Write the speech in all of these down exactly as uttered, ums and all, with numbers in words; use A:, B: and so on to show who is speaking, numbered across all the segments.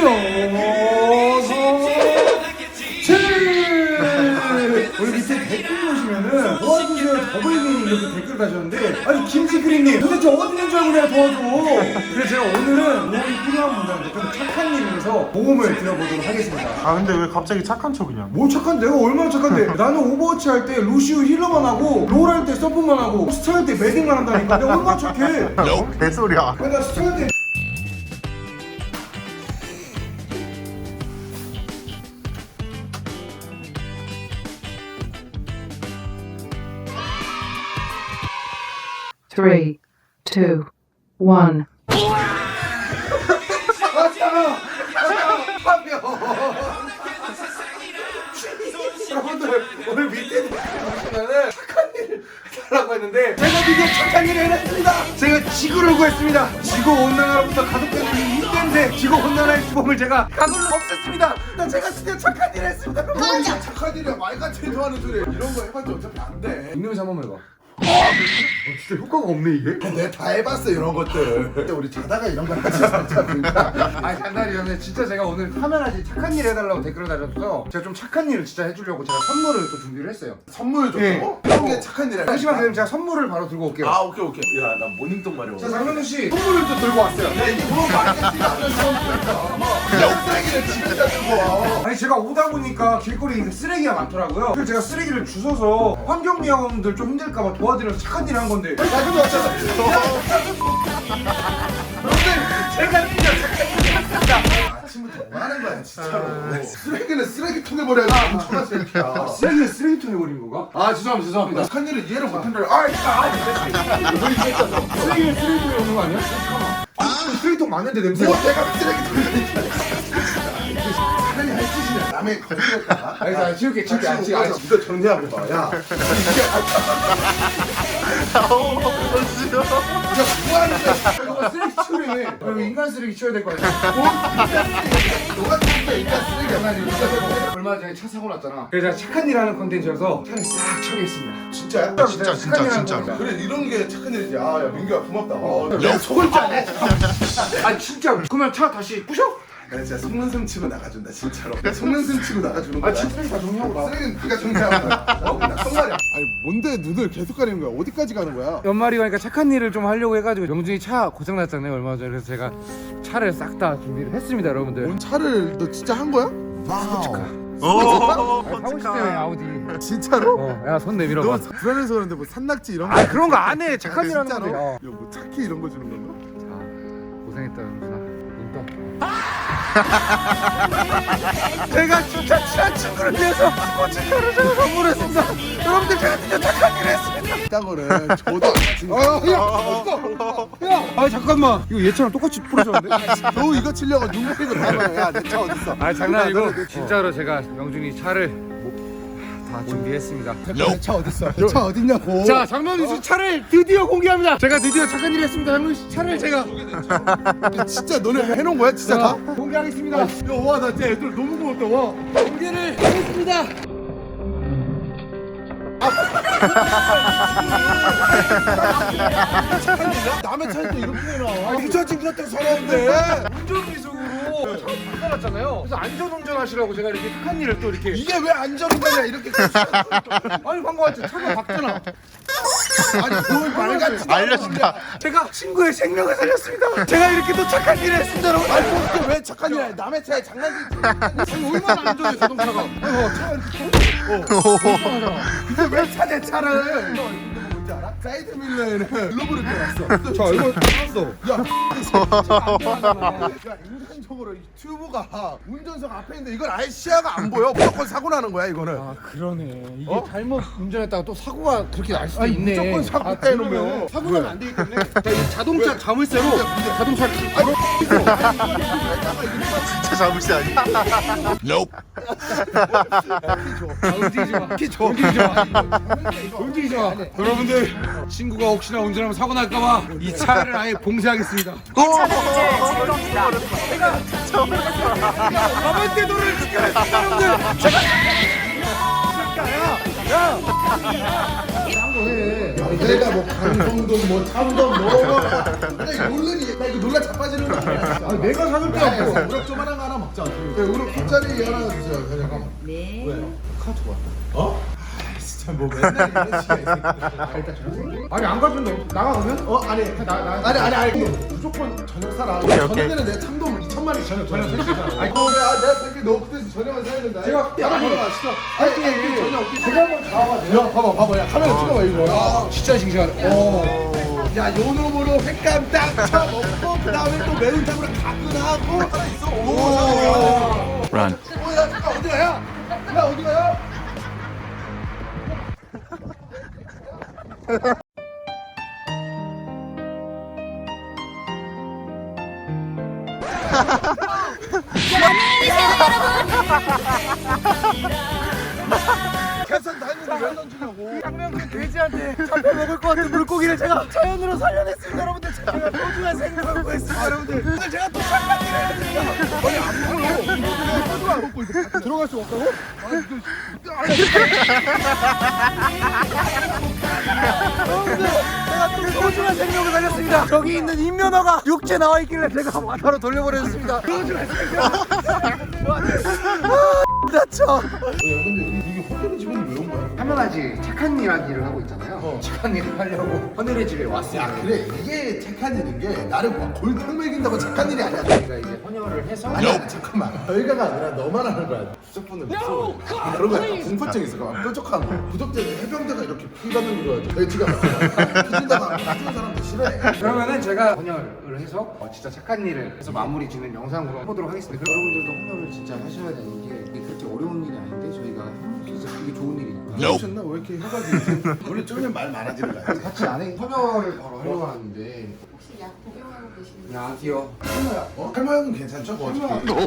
A: 우리 밑에 댓글 보시면은 도와주세요 더블미니 이렇게 댓글 다셨는데 아니 김치크림님 도대체 어디 있는 줄 알고 내가 도와줘. 그래서 제가 오늘은 도움이 필요한 분들한테 좀 착한 일에서 도움을 드려보도록 하겠습니다.
B: 아 근데 왜 갑자기 착한 척이냐?
A: 뭐 착한 내가 얼마나 착한데. 나는 오버워치 할 때 루시우 힐러만 하고 롤 할 때 서폿만 하고 스타 할 때 메딩만 한다니까. 내가 얼마나 착해.
B: 너 개소리야.
A: 내가 스타 할 때
C: Three, two, one.
A: 여러분들 오늘 밑에 보시면은 착한 일 하라고 했는데 제가 드디어 착한 일을 해냈습니다. 제가 지구를 구했습니다. 지구 온난화로부터 가속되는 이 인간세 지구 온난화의 주범을 제가 가글로 없앴습니다. 나 제가 드디어 착한 일을 했습니다.
D: 맞아. 착한 일이야. 말같이 좋아하는 소리. 이런 거 해봤자 어차피 안 돼.
A: 입냄새 한 번만 해봐. 어, 진짜 효과가 없네 이게.
D: 내가 다 해봤어 이런 것들. 근데 우리 자다가 이런 거 하지 않잖아.
A: 아니 장난이 아니라 진짜 제가 오늘 카메라지 착한 일 해달라고 댓글을 달아서 제가 좀 착한 일을 진짜 해주려고 제가 선물을 또 준비를 했어요.
D: 선물 줬다고?
A: 예.
D: 이런 게 착한 일이야.
A: 잠시만 기다리면 제가 선물을 바로 들고 올게요.
D: 아 오케이 오케이. 야 나 모닝똥 마려워.
A: 자 장명준 씨 선물을 또 들고 왔어요.
D: 야 이게 뭐 말겠지가 않는 사람들이니까. 쓰레기를 진짜 주고 와.
A: 아니 제가 오다 보니까 길거리에 쓰레기가 많더라고요. 그래서 제가 쓰레기를 주워서 환경미화원들 좀 힘들까봐 도와드려서 착한 일 한 건데. 나도 왔잖아. 여러분들 제가 진짜 착한 일 했습니다.
D: 아침부터 뭐 하는 거야 진짜로. 쓰레기는 쓰레기통에 버려야지. 엄청난 쓰레기야.
A: 쓰레기를 쓰레기통에 버린 건가? 아 죄송합니다 죄송합니다.
D: 착한 일을 이해를 못한다. 아 진짜. 너 이게 있잖아.
A: 쓰레기를 쓰레기통에 넣는 거 아니야? 잠깐만. 아 쓰레기통 많은데 냄새가.
D: 뭐 내가 쓰레기통에 차라리 할 짓이냐. 남의 거짓말까?
A: 아니 자 치울게 치울게 안 치울게.
D: 아니 이거 정리하고 봐. 야. 뭐 하는 거야?
A: 이거 쓰레기 치우려네. 이거 인간 쓰레기 치워야 될 거 아니야?
D: 너가 진짜 인간 쓰레기 아니야?
A: 얼마 전에 차 사고 났잖아. 그래서 제가 착한 일 하는 컨텐츠여서 차를 싹 처리했습니다.
D: 진짜야?
B: 아, 진짜, 진짜,
A: 착한 일 하는
B: 진짜로.
A: 거니까.
D: 그래 이런 게 착한 일이지. 아야 민규야 고맙다. 어, 내가 속을 줄 아네.
A: 아 진짜 그러면 차 다시 부셔?
D: 내가 진짜 속는숨 치고 나가준다 진짜로. 내가 속는숨 치고 나가주는 거야.
A: 아 진짜 쓰레기 다 정리하고 나.
D: 쓰레기는 네가 정리하고 나. 어? 나 정말이야. 아니 뭔데 눈을 계속 가리는 거야? 어디까지 가는 거야?
A: 연말이 가니까 착한 일을 좀 하려고 해가지고 명준이 차 고장 났잖아요 얼마 전에. 그래서 제가 차를 싹 다 준비를 했습니다 여러분들.
D: 뭔 차를 너 진짜 한 거야?
B: 오,
A: 사고 싶 때문에 아우디.
D: 진짜로?
A: 어, 야 손 내밀어
D: 너
A: 봐.
D: 불안해서 그러는데 뭐 산낙지 이런 거?
A: 아 그런 거 안 해. 착한 일 하는
D: 진짜로?
A: 건데. 어.
D: 야뭐 차키 이런 거 주는 건가?
A: 자 고생했다 연준아. 눈 떠. 제가 진짜 친한 친구를 위해서 스포츠카를 제가 선물했습니다. 여러분들 제가 진짜 착한 일을 했습니다.
D: 이딴 거를 저도 안 친다.
A: 아야 어딨어? 야, 아 잠깐만 이거 얘처럼 똑같이 부러졌는데?
D: 너 이거 치려고 눈 가리고 다 봐요. 야내 차 어딨어?
A: 아 장난이고
D: 야, 너는
A: 진짜로 제가 명준이 차를 다 준비했습니다.
D: 내 차 어딨어? 내 차 어딨냐고.
A: 자 장명준 씨 차를 드디어 공개합니다. 제가 드디어 착한 일을 했습니다. 장명준 씨 차를 제가
D: 진짜 너네 해놓은 거야 진짜 다?
A: 공개하겠습니다.
D: 야와나 진짜 애들 너무 고맙다 와.
A: 공개를 하겠습니다.
D: 남의 차에 또 이렇게 해놔.
A: 이 차 친구 같은 사람인데 운전미숙으로 차 바꿔놨잖아요. 그래서 안전운전 하시라고 제가 이렇게 착한 일을 또 이렇게.
D: 이게 왜 안전운전이야 이렇게.
A: 아니 방금 왔지 차가 박잖아.
D: 아니 뭘 말같이
B: 알려준다.
A: 제가 친구의 생명을 살렸습니다. 제가 이렇게 또 착한 일을 했습니다 여러분.
D: 아니 그게 왜 착한 일이야? 남의 차에 장난치지.
A: 아니 얼마나 안전해 자동차가. 어, 차가 이렇게 어.
D: 근데 왜 차 내 차를? 너 이거 뭔지 알아? 사이드 밀러에는 글로브를 껴놨어.
A: 자 이거 탔어.
D: 야, 야 인간적으로 이 튜브가 운전석 앞에 있는데 이건 아예 시야가 안 보여. 무조건 사고 나는 거야 이거는.
A: 아 그러네. 이게
D: 어?
A: 잘못 운전했다가 또 사고가 그렇게 날 수도
D: 아니,
A: 있네.
D: 무조건 사고
A: 아,
D: 때리면.
A: 그러면 사고 나면 안 되기 때문에. 자, 이 자동차 자물쇠로
D: 근데, 근데.
A: 자동차를
B: 진짜 자물쇠 아니야?
A: 아, 움직이지 마.
D: 키 줘.
A: 움직이지 마. 움직이지 마. 여러분들 친구가 혹시나 운전하면 사고 날까봐 이 차를 아예 봉쇄하겠습니다. 가만히 도를 지켜냈습니다 여러분들. 제가
D: 내가 뭐 강성동 뭐 참동 뭐 근데 이거 놀래니 나 이거 놀라 자빠지는 거 아니야? 아, 내가 사줄 게 없고 우럭 조만한 거 하나 먹자. 네, 우럭 돗자리 하나 주세요. 잠깐만. 네. 왜? 카드 왔다. 어? 아, 진짜 뭐 맨날 이런 식이야 이 새끼들. 아, 일단 전화. 아니 안 가면 나가 그러면? 어 아니 나 나 아니 아니 아니 무조건 저녁 사라. 저녁에는 내 참돔 이천 마리 저녁 저녁 사라. 아니 그래 아 내가 생각 너 그때 저녁을 사야 된다. 제가 따라 보러 시켜. 아니 저녁 제가 한번 가봐. 야 봐봐 봐봐 야 카메라 찍어봐 이거. 야 진짜 싱싱하네. 어. 야 요놈으로 횟감 딱 쳐먹고 그 다음에 또 매운탕으로 가끈하고 하나 있어. 오.
B: Run.
D: 오야 잠깐 어디 가야? 야 어디 가야? 계산 다했는데 왜 던지냐고.
A: 상명군 돼지한테 잡혀 먹을 것 같은 물고기를 제가 자연으로 살려냈습니다. 여러분들 제가 소중한 생명을 구했습니다. 여러분들 오늘 제가 또 착한 일을 해야 됩니다.
D: 아니 안 먹어. 이거 소주가 안 먹고 이거 들어갈 수 없다고?
A: 여러분들 제가 또 소중한 생명을 살렸습니다. 저기 있는 인면허가 육지에 나와 있길래 제가 바로 돌려보내줬습니다. 소중한 생명. 다쳐.
D: 근데 이게 호텔 직원이 왜 온 거야?
E: 하면하지 착한 이야기를 하고 있잖아요.
D: 어.
E: 착한 일을 하려고 헌혈의 집에 왔습니다.
D: 야 그래 이게 착한 일인 게 나를 막 골탕 먹인다고 착한 일이 아니야.
E: 저희가 이제 헌혈을 해서
D: 아니 아니 잠깐만 저희가가 아니라 너만 하는 거야. 부적분을 무서워. 그런 거야. 공포증 있어. 막 뾰족한 거. 구독자들 해병대가 이렇게 피 받는 거 좋아하지. 돼지가 피진다가 피는 사람도 싫어해.
E: 그러면은 제가 헌혈을 해서 어, 진짜 착한 일을 해서 마무리 짓는 영상으로 해보도록 하겠습니다. 여러분들도 헌혈을 진짜 하셔야 되는 게 이게 그렇게 어려운 일이 아닌데 저희가 진짜 이게 좋은 일이니까
D: 미쳤나? 왜 이렇게 혀가 길지? 원래 쫄면 말 많아지는 거야.
E: 같이 안에 헌혈을 바로 하려고 하는데
F: 혹시 약 복용하고 계시는
E: 안녕하세요.
D: 어? 탈모 형은 괜찮죠? 그거 어떻게?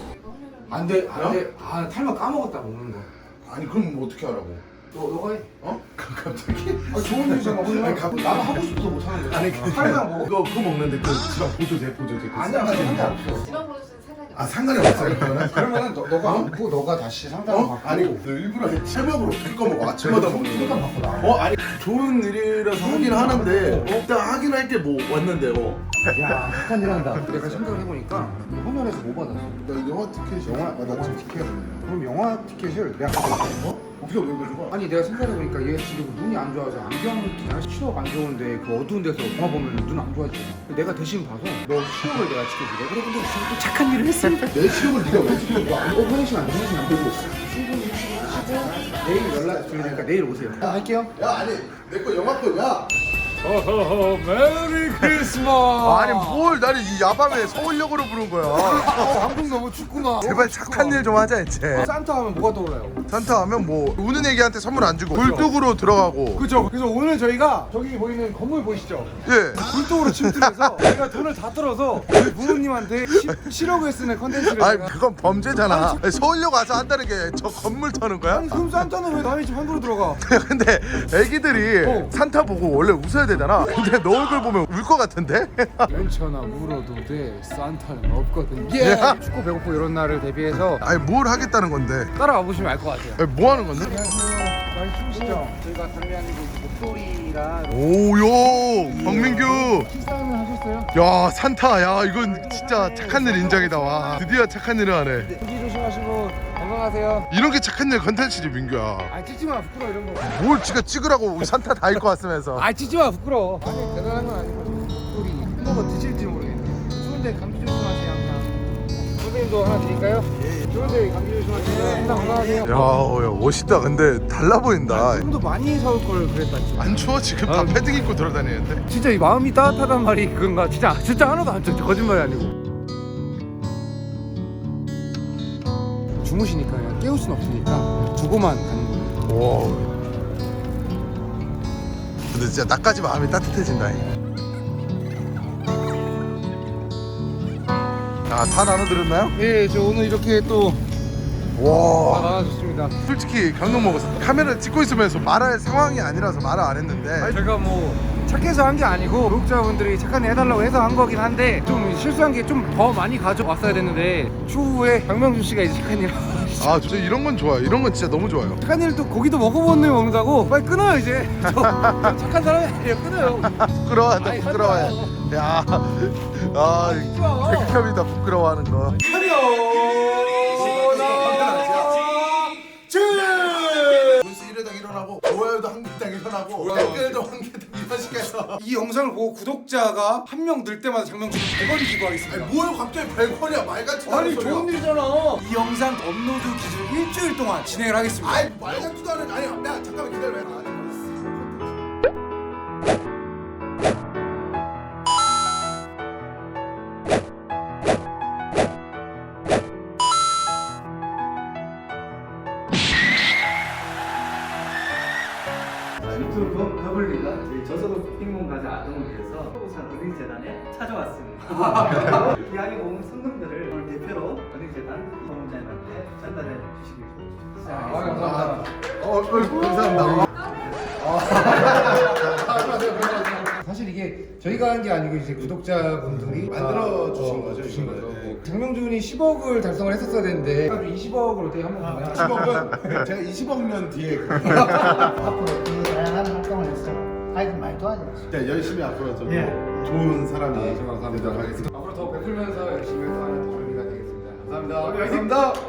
E: 안돼 안돼 아 탈모 까먹었다 먹는 거.
D: 아니 그럼 뭐 어떻게 하라고?
E: 너 너가 해.
D: 어? 갑자기?
E: 아 좋은 일이잖아.
D: 아니 갑
E: 나도 하고 싶어서 못 하는 거야.
D: 아니 그
E: 탈모랑 먹어.
D: 그거 그거 먹는데 그 지방 보조제 보조제. 그
E: 아니야
D: 싸가지고.
E: 상관없어.
F: 지방 보조제는 상관이
D: 아
F: 없어요.
D: 상관이 없어요 그러면?
E: 그러면은 너, 너가 안고 너가 다시 상담을
D: 어?
E: 받고
D: 아니 너 일부러 체력으로 어떻게 꺼먹어? 아침마다 먹는
E: 상담
D: 거.
E: 받고 나.
D: 어? 아니 좋은 일이라서 하긴 하는데 일단 하긴 할 게 뭐 왔는데 어.
E: 야 착한 일 한다. 내가 생각을 해보니까 헌혈에서 뭐 받았어?
D: 나 영화 티켓이
E: 영화?
D: 아, 나 지금 티켓 없네.
E: 그럼 영화 티켓을 내가 가져갈게.
D: 어? 어떻게 왜 가져가?
E: 아니 내가 생각해보니까 얘 지금 눈이 안 좋아서 안경 시력 안 좋은데 그 어두운 데서 영화 보면 눈 안 좋아지잖아. 내가 대신 봐서 너 시력을 내가 지켜줄게. 여러분들 지금 또 착한 일을 했습니다.
D: 내 시력을 네가 왜 지켜?
E: 어 화장실 안 돼, 화장실 안 되고 충분히 쉬고 내일 연락 드릴 테니까 내일 오세요. 아, 할게요.
D: 야 아니 내 거 영화표 야.
A: 어허허 메리 크리스마스.
B: 아니 뭘 나를 이 야밤에 서울역으로 부른 거야.
A: 한국 너무 춥구나.
B: 제발 착한 일 좀 하자 이제.
A: 산타 하면 뭐가 떠올라요?
B: 산타 하면 뭐 우는 애기한테 선물 안 주고 굴뚝으로 들어가고.
A: 그죠. 그래서 오늘 저희가 저기 보이는 건물 보이시죠?
B: 예.
A: 굴뚝으로 침투해서 저희가 돈을 다 떨어서 저희 부모님한테 십억을 쓰는 컨텐츠를
B: 아니
A: 제가.
B: 그건 범죄잖아. 아니, 서울역 와서 한다는 게 저 건물 터는 거야?
A: 아니 그럼 산타는 왜 남의 집 함부로 들어가?
B: 근데 애기들이
A: 어.
B: 산타 보고 원래 웃어야 되잖아. 근데 너 얼굴 보면 울 것 같은데?
A: 괜찮아 울어도 돼. 산타는 없거든. 예. 춥고 배고프고 이런 날을 대비해서
B: 아니 뭘 하겠다는 건데?
A: 따라와 보시면 알 것 같아요.
B: 아니, 뭐 하는 건데?
A: 많이 추우시죠?
E: 저희가 담배하는 목소리랑
B: 오요 박민규.
A: 식사는 하셨어요?
B: 야 산타 야 이건 진짜 착한 일 인정이다. 와 드디어 착한 일을 하네.
A: 조기 조심하시고 건강하세요.
B: 이런 게 착한 일 컨텐츠지 민규야.
A: 아 찍지 마 부끄러워 이런 거.
B: 뭘 지가 찍으라고 우리 산타 다 입고 왔으면서.
A: 아 찍지 마 부끄러워. 아니 대단한 건 아니고 목소리 햄버거 드실지 모르겠네. 추운데 감기 조심하세요 항상. 선생님도 하나 드릴까요? 예. 추운데 감기 조심하세요. 항상 건강하세요.
B: 야, 야 멋있다. 근데 달라 보인다.
A: 좀 더 많이 사올 걸 그랬다 진짜.
B: 안 추워 지금 다
A: 아.
B: 패딩 입고 돌아다니는데.
A: 진짜 이 마음이 따뜻하단 말이 그건가? 진짜 진짜 하나도 안 쳐. 거짓말이 아니고. 주무시니까 그냥 깨울 순 없으니까 두고만 가는 거예요.
B: 와. 근데 진짜 나까지 마음이 따뜻해진다. 아, 다 나눠드렸나요?
A: 예, 저 오늘 이렇게 또
B: 와.
A: 나와줬습니다.
B: 솔직히 감동 먹었어. 카메라 찍고 있으면서 말할 상황이 아니라서 말을 안 했는데.
A: 제가 뭐
E: 착해서 한 게 아니고 구독자분들이 착한 일 해달라고 해서 한 거긴 한데 좀 실수한 게 좀 더 많이 가져왔어야 됐는데 추후에 박명준 씨가 이제 착한 일
B: 아 진짜 이런 건 좋아요. 이런 건 진짜 너무 좋아요.
E: 착한 일도 고기도 먹어본 놈이 먹는다고 빨리 끊어요 이제. 저, 저 착한 사람이 아니에요. 끊어요.
B: 부끄러워한다
E: 아이,
B: 부끄러워해. 야, 아 백협이다 부끄러워하는 거.
D: 분수 일 회당 일어나고 좋아요도 한 개당 일어나고 댓글도 한 개당 일어나시게 해서
A: 이 영상을 보고 구독자가 한 명 늘 때마다 장명준 백 원 기부하겠습니다.
D: 아니 뭘 갑자기 백 원이야 말같지도 않은
A: 아니
D: 소리야.
A: 좋은 일이잖아. 이 영상 업로드 기준 일주일 동안 진행을 하겠습니다.
D: 아이 말같지도 않은 아니 야 잠깐만 기다려. 아니,
G: 유튜브 더블리가 저소득 핑문가자 아동을 위해서 부산 은행재단에 찾아왔습니다. 이야기 모은 성금들을 오늘 대표로 은행재단 이범자님한테 전달해 주시기 바랍니다.
E: 아, 감사합니다.
B: 어, 어 감사합니다.
E: 사실 이게 저희가 한 게 아니고 이제 구독자분들이
D: 만들어
E: 아,
D: 주신
E: 어,
D: 거죠,
E: 주신
D: 이거.
E: 거죠.
D: 네.
E: 장명준이 십억을 달성을 했었어야 되는데 이십억을 어떻게 한번 보냐?
D: 십억은 제가 이십억 년 뒤에
G: 앞으로 그 다양한 활동을 해서 아이들 많이 도와드렸습니다.
D: 진짜 열심히 앞으로 좀
G: 예.
D: 좋은 사람이
E: 감사합니다.
D: 되도록 하겠습니다.
E: 앞으로 더 베풀면서 열심히 해서 하는 조용히가 되겠습니다. 감사합니다.
B: 감사합니다.